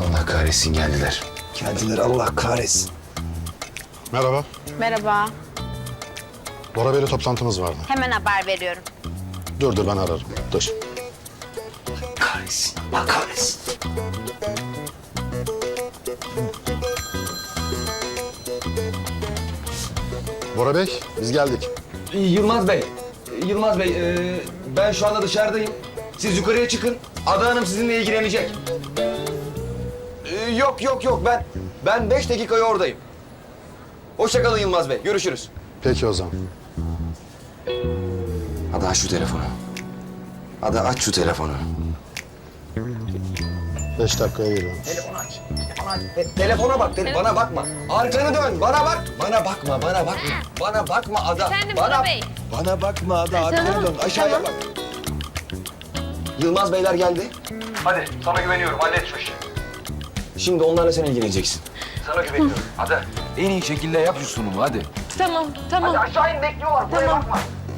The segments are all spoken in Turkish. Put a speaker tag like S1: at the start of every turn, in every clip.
S1: Allah kahretsin geldiler.
S2: Geldiler Allah kahretsin.
S3: Merhaba.
S4: Merhaba.
S3: Bora Bey'le toplantımız vardı.
S4: Hemen haber veriyorum.
S3: Dur ben ararım. Dur.
S1: Kahretsin. Allah kahretsin.
S3: Bora Bey biz geldik.
S2: Yılmaz Bey, ben şu anda dışarıdayım. Siz yukarıya çıkın. Ada Hanım sizinle ilgilenecek. Yok. Ben 5 dakikaya oradayım. Hoşça kalın Yılmaz Bey. Görüşürüz.
S3: Peki o zaman.
S1: Ada aç şu telefonu. Ada aç şu telefonu.
S3: 5 dakikaya geliyorum.
S2: Telefonu aç. Telefona bak. Bana bakma. Arkanı dön. Bana bak. Bana bakma Ada.
S4: Efendim
S2: bana,
S4: Bora Bey.
S2: Bana bakma Ada. Arkanı
S4: tamam,
S2: dön. Aşağıya
S4: tamam.
S2: bak. Yılmaz Beyler geldi. Hadi sana güveniyorum. Hallet şu işi. Şimdi onlarla sen ilgileneceksin. Sana güveniyorum. Hadi.
S1: En iyi şekilde yap şu sunumu hadi.
S4: Tamam.
S2: Aşağı in bekliyorlar. Buraya bakma.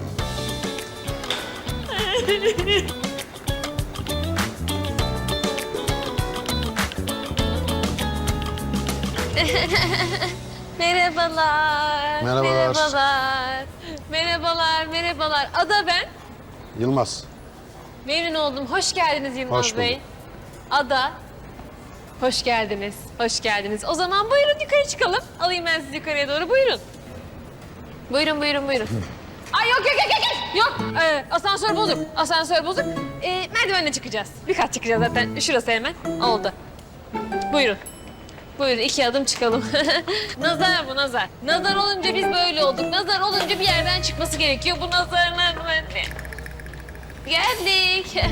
S4: Merhabalar.
S3: Merhabalar.
S4: Merhabalar. Ada ben.
S3: Yılmaz.
S4: Memnun oldum. Hoş geldiniz Yılmaz
S3: Hoş
S4: Bey.
S3: bulduk.
S4: Ada. Hoş geldiniz. O zaman buyurun yukarı çıkalım. Alayım ben sizi yukarıya doğru. Buyurun. Buyurun. Ay yok. Yok. Asansör bozuk. Merdivenle çıkacağız. Bir kat çıkacağız zaten. Şurası hemen. Oldu. Buyurun. 2 adım çıkalım. Nazar bu nazar. Nazar olunca biz böyle olduk. Nazar olunca bir yerden çıkması gerekiyor. Bu nazarlar böyle. Geldik.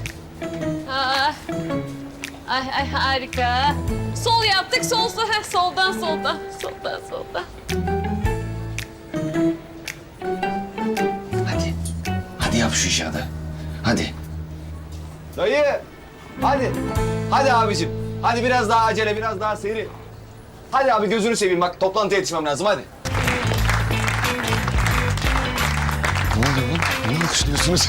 S4: Ay harika. Sol yaptık. Sol. Soldan.
S1: Hadi yap şu işi Ada. Hadi.
S2: Dayı. Hadi abicim. Hadi biraz daha acele, biraz daha seri. Hadi abi gözünü seveyim bak toplantıya yetişmem lazım hadi.
S1: Ne oluyor lan? Niye alkışlıyorsunuz?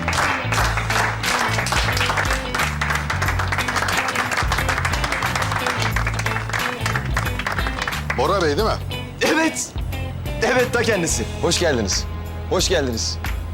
S3: Bora Bey değil mi?
S2: Evet. Evet ta kendisi. Hoş geldiniz. Hoş geldiniz.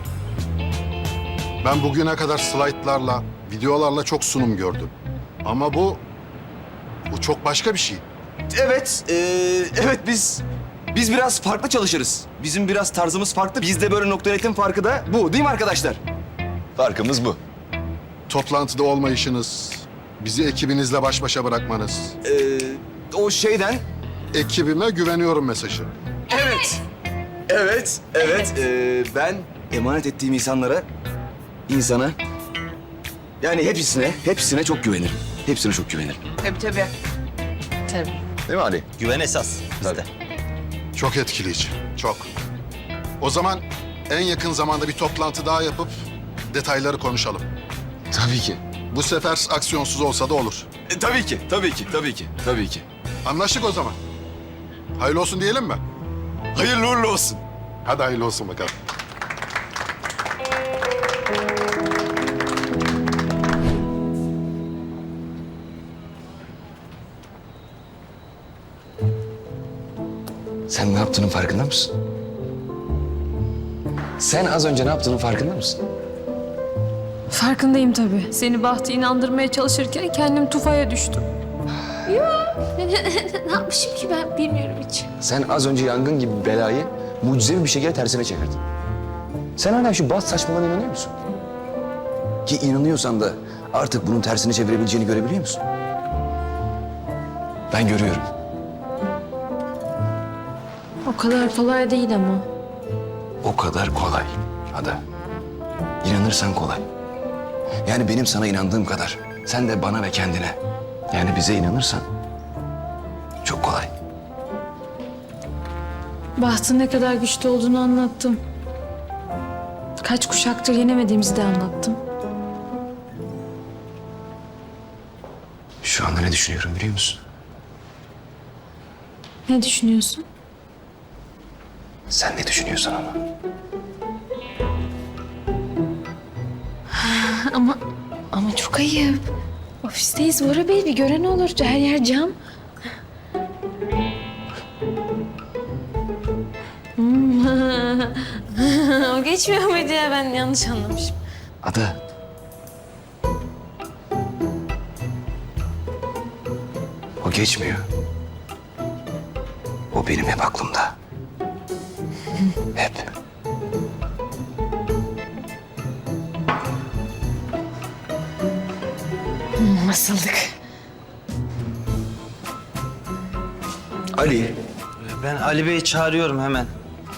S3: Ben bugüne kadar slaytlarla, videolarla çok sunum gördüm. Ama bu çok başka bir şey.
S2: Evet biz biraz farklı çalışırız. Bizim biraz tarzımız farklı. Bizde böyle nokta farkı da bu değil mi arkadaşlar? Farkımız bu.
S3: Toplantıda olmayışınız, bizi ekibinizle baş başa bırakmanız.
S2: O şeyden
S3: Ekibime güveniyorum mesajı.
S2: Evet. Ben emanet ettiğim insana yani hepsine çok güvenirim. Hepsine çok güvenirim.
S4: Tabii.
S2: Değil mi Ali?
S5: Güven esas bizde.
S3: Çok etkileyici, çok. O zaman en yakın zamanda bir toplantı daha yapıp detayları konuşalım.
S1: Tabii ki.
S3: Bu sefer aksiyonsuz olsa da olur.
S2: Tabii ki.
S3: Anlaştık o zaman. Hayırlı olsun diyelim mi?
S2: Hayırlı uğurlu olsun.
S3: Hadi hayırlı olsun bakalım.
S1: Sen ne yaptığının farkında mısın? Sen az önce ne yaptığının farkında mısın?
S6: Farkındayım tabii. Seni Bahtı inandırmaya çalışırken kendim tufaya düştüm.
S4: Ne yapmışım ki ben bilmiyorum hiç.
S1: Sen az önce yangın gibi belayı mucizevi bir şekilde tersine çevirdin. Sen hala şu baz saçmalığına inanıyor musun? Ki inanıyorsan da artık bunun tersine çevirebileceğini görebiliyor musun? Ben görüyorum.
S6: O kadar kolay değil ama.
S1: O kadar kolay Ada. İnanırsan kolay. Yani benim sana inandığım kadar sen de bana ve kendine yani bize inanırsan çok kolay.
S6: Bahtın ne kadar güçlü olduğunu anlattım. Kaç kuşaktır yenemediğimizi de anlattım.
S1: Şu anda ne düşünüyorum biliyor musun?
S6: Ne düşünüyorsun?
S1: Sen ne düşünüyorsun ama?
S6: Ama çok ayıp. Ofisteyiz Bora Bey, bir gören olur. Her yer cam. O geçmiyor muydu ya? Ben yanlış anlamışım.
S1: Ada. O geçmiyor. O benim hep aklımda. Hep.
S6: Nasıldık?
S1: Ali.
S5: Ben Ali Bey'i çağırıyorum hemen.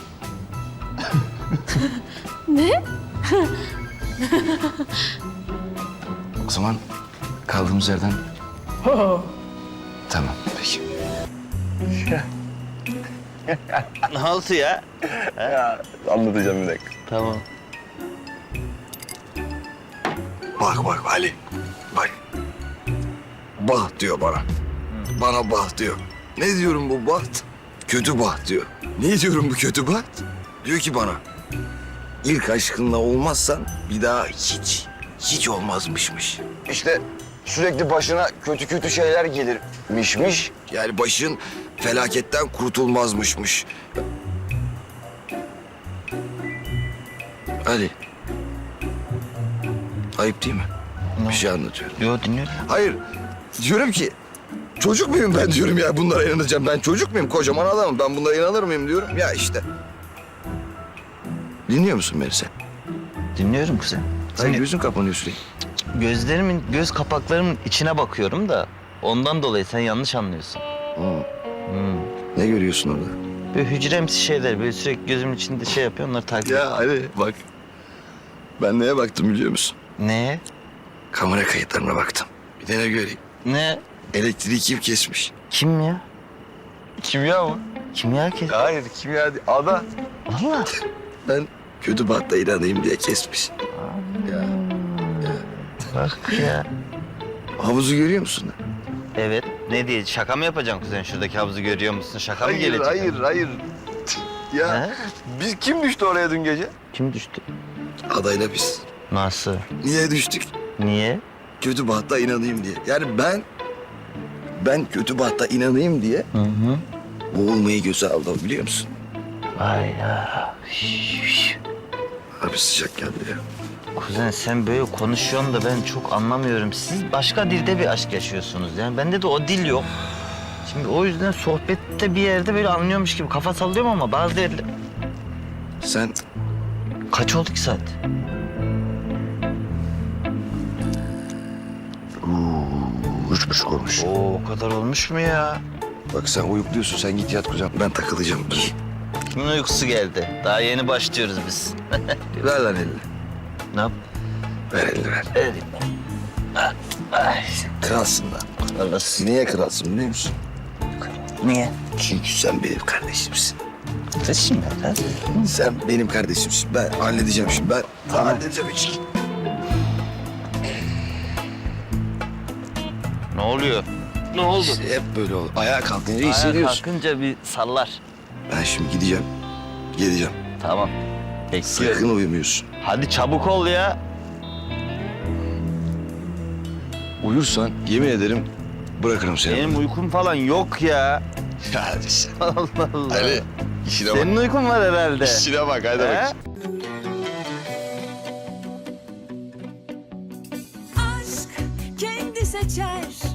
S1: O zaman kaldığımız yerden... Tamam, peki.
S5: Ne oldu ya?
S2: Anlatacağım bir dakika.
S5: Tamam.
S2: Bak bak Ali. Bak. Bah diyor bana. Bana bah diyor. Ne diyorum bu baht? Kötü baht diyor. Ne diyorum bu kötü baht? Diyor ki bana. İlk aşkınla olmazsan bir daha hiç olmazmışmış. İşte sürekli başına kötü şeyler gelirmişmiş. Yani başın felaketten kurtulmazmışmış. Ali. Ayıp değil mi? Bir şey anlatıyorum.
S5: Yo, dinliyorum.
S2: Hayır. Diyorum ki çocuk muyum ben diyorum ya bunlara inanacağım. Ben çocuk muyum? Kocaman adamım. Ben bunlara inanır mıyım diyorum. Ya işte. Dinliyor musun beni sen?
S5: Dinliyorum kuzen.
S2: Hayır gözün kapanıyor sürekli.
S5: Gözlerimin, göz kapaklarımın içine bakıyorum da ondan dolayı sen yanlış anlıyorsun.
S2: Ne görüyorsun orada?
S5: Böyle hücremsi şeyler, böyle sürekli gözümün içinde şey yapıyor, onları takip ediyorum.
S2: Ya Ali bak. Ben neye baktım biliyor musun?
S5: Ne?
S2: Kamera kayıtlarına baktım. Bir de ne göreyim?
S5: Ne?
S2: Elektriği kim kesmiş?
S5: Kim ya?
S2: Kimya mı?
S5: Kimya kes?
S2: Hayır kimya değil. Ada.
S5: Valla.
S2: Ben kötü bahta inanayım diye kesmiş.
S5: Bak ya.
S2: Havuzu görüyor musun?
S5: Evet. Ne diye? Şaka mı yapacaksın kuzen? Şuradaki havuzu görüyor musun? Şaka mı
S2: Hayır,
S5: gelecek?
S2: hayır. Ya
S5: He?
S2: biz kim düştü oraya dün gece?
S5: Kim düştü?
S2: Adayla biz.
S5: Nasıl?
S2: Niye düştük?
S5: Niye?
S2: Kötü bahta inanayım diye. Yani ben kötü bahta inanayım diye
S5: Hı hı.
S2: boğulmayı göze aldım biliyor musun?
S5: Vay ya.
S2: Abi sıcak geldi ya.
S5: Kuzen sen böyle konuşuyorsun da ben çok anlamıyorum. Siz başka dilde bir aşk yaşıyorsunuz yani. Bende de o dil yok. Şimdi o yüzden sohbette bir yerde böyle anlıyormuş gibi kafa sallıyorum ama bazı yerde...
S2: Sen
S5: Kaç oldu ki saat?
S2: üç buçuk olmuş.
S5: Oo, o kadar olmuş mu ya?
S2: Bak sen uyukluyorsun sen git yat kuzen. Ben takılacağım.
S5: Kimin uykusu geldi? Daha yeni başlıyoruz biz.
S2: Ver lan elini.
S5: Ne yap?
S2: Ver elini ver.
S5: Elim. Ay,
S2: Kralsın lan.
S5: Allah'ım.
S2: Niye kralsın biliyor musun?
S5: Niye?
S2: Çünkü sen benim kardeşimsin.
S5: Taşım ya.
S2: Sen benim kardeşimsin. Ben halledeceğim şimdi. Ben halledeceğim hiç.
S5: Ne oluyor? Ne oldu?
S2: İşte hep böyle olur. Ayağa kalkınca
S5: Ayağa
S2: hissediyorsun.
S5: kalkınca bir sallar.
S2: Ben şimdi gideceğim. Geleceğim.
S5: Tamam. Bekliyorum.
S2: Sakın uyumuyorsun.
S5: Hadi çabuk ol ya.
S2: Uyursan yemin ederim bırakırım seni.
S5: Benim uykum falan yok ya.
S2: Hadi sen.
S5: Allah Allah.
S2: Hadi işine
S5: Senin uykun var herhalde.
S2: İşine bak hadi
S5: He?
S2: bak.
S7: aşk kendi seçer